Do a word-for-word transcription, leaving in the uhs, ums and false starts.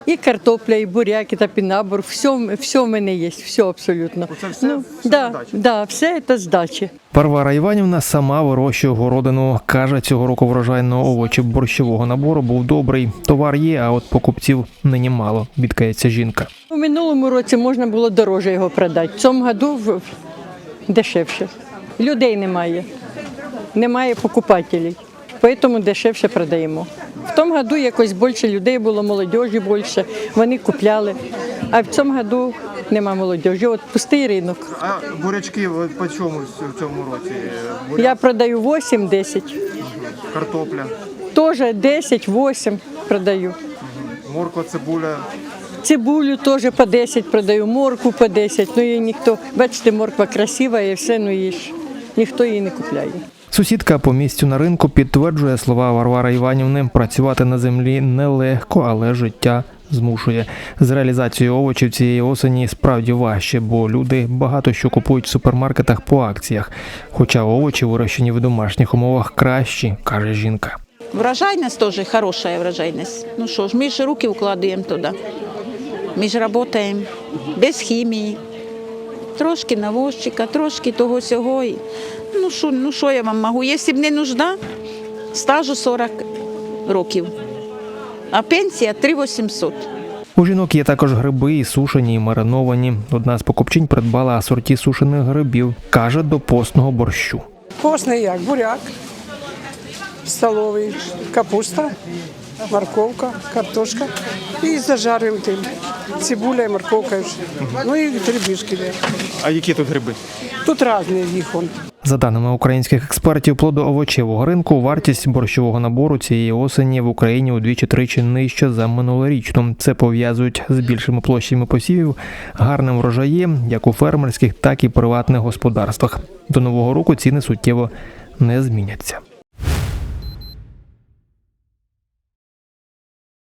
І картопля, і буряк, і топінабор, все, все в мене є, все абсолютно. Оце все, ну, все да, на дачі? да, все це з дачі. Варвара Іванівна сама вирощує городину. Каже, цього року врожай на овочі борщового набору був добрий. Товар є, а от покупців нині мало, бідкається жінка. У минулому році можна було дороже його продати, в цьому году в- дешевше. Людей немає, немає покупателів, тому дешевше продаємо. В тому году якось більше людей було, молодіжі більше, вони купляли. А в цьому году нема молодіжі, от пустий ринок. А бурячки от по чому в цьому році? Буряк, Я продаю вісім-десять, картопля, теж десять-вісім продаю. морква, цибуля. Цибулю теж по десять продаю, морку по десять, ну її ніхто, бачите, морква красива і все, ну її ж ніхто її не купляє. Сусідка по місцю на ринку підтверджує слова Варвари Іванівни. Працювати на землі нелегко, але життя змушує. З реалізацією овочів цієї осені справді важче, бо люди багато що купують в супермаркетах по акціях. Хоча овочі, вирощені в домашніх умовах, кращі, каже жінка. Врожайность тоже хорошая врожайность. Ну что ж, мы же руки укладываем туда. Мы же работаем без химии. Трошки навозчика, трошки того сього. І, Ну що, ну що я вам можу? Якщо б не нужда, стажу сорок років. А пенсія три тисячі вісімсот. У жінок є також гриби і сушені, і мариновані. Одна з покупчинь придбала асорті сушених грибів. Каже, до постного борщу. Постний як буряк, столовий, капуста, морковка, картошка. І зажарюємо тим. Цибуля і морковка. Ну і грибішки. А які тут гриби? Тут різні їх. он. За даними українських експертів плодоовочевого ринку, вартість борщового набору цієї осені в Україні удвічі-тричі нижча за минулорічну. Це пов'язують з більшими площами посівів, гарним врожаєм, як у фермерських, так і приватних господарствах. До нового року ціни суттєво не зміняться.